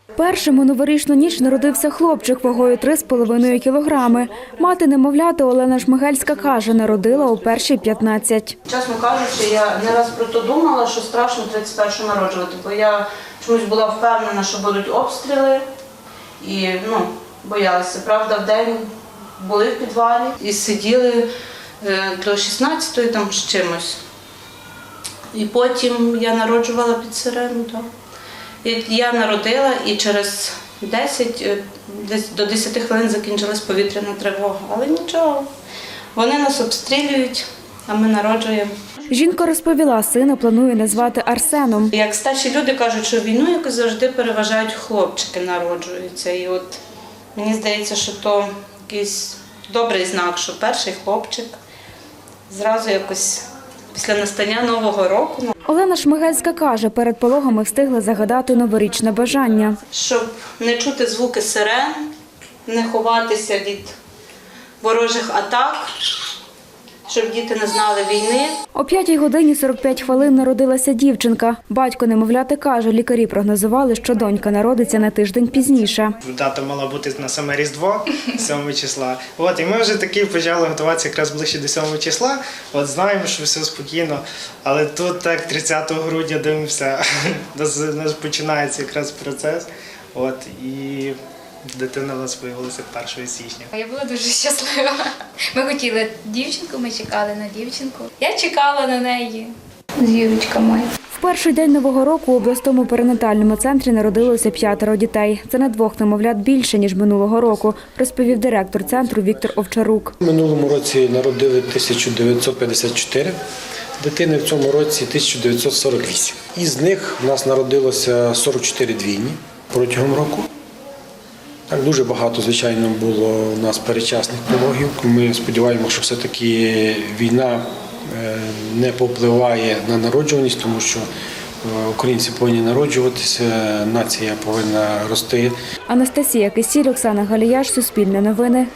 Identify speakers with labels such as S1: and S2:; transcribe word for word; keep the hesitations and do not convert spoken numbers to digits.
S1: Першим у новорічну ніч народився хлопчик вагою три з половиною кілограми. Мати немовляти Олена Шмигельська каже, народила у перші п'ятнадцять.
S2: Чесно кажучи, я не раз про то думала, що страшно тридцять першого народжувати, бо я чомусь була впевнена, що будуть обстріли і ну, боялася. Правда, вдень були в підвалі і сиділи до шістнадцятої там з чимось. І потім я народжувала під сирену. Так. Я народила і через десять, десь до десяти хвилин закінчилась повітряна тривога. Але нічого, вони нас обстрілюють, а ми народжуємо.
S1: Жінка розповіла, сина планує назвати Арсеном.
S2: Як старші люди кажуть, що війну якось завжди переважають хлопчики народжуються. І от мені здається, що то якийсь добрий знак, що перший хлопчик зразу якось після настання Нового року.
S1: Олена Шмигельська каже, перед пологами встигла загадати новорічне бажання.
S2: Щоб не чути звуки сирен, не ховатися від ворожих атак, щоб діти не знали війни.
S1: О п'ятій годині сорок п'ять хвилин народилася дівчинка. Батько немовляти каже, лікарі прогнозували, що донька народиться на тиждень пізніше.
S3: Дата мала бути на саме Різдво, сьомого числа. От, і ми вже таки почали готуватися якраз ближче до сьомого числа. От знаємо, що все спокійно, але тут так тридцятого грудня дивимося, у нас починається якраз процес. От, і дитина в нас виявилася першого січня.
S4: Я була дуже щаслива. Ми хотіли дівчинку, ми чекали на дівчинку. Я чекала на неї. Зірочка моя.
S1: В перший день Нового року у обласному перинатальному центрі народилося п'ятеро дітей. Це на двох немовлят більше, ніж минулого року, розповів директор центру Віктор Овчарук.
S5: В минулому році народили тисяча дев'ятсот п'ятдесят чотири дитини, в цьому році тисяча дев'ятсот сорок вісім. Із них в нас народилося сорок чотири двійні протягом року. Так, дуже багато, звичайно, було у нас передчасних пологів. Ми сподіваємося, що все-таки війна не повпливає на народжуваність, тому що українці повинні народжуватися, нація повинна рости.
S1: Анастасія Кисіль, Оксана Галіяш, Суспільне новини,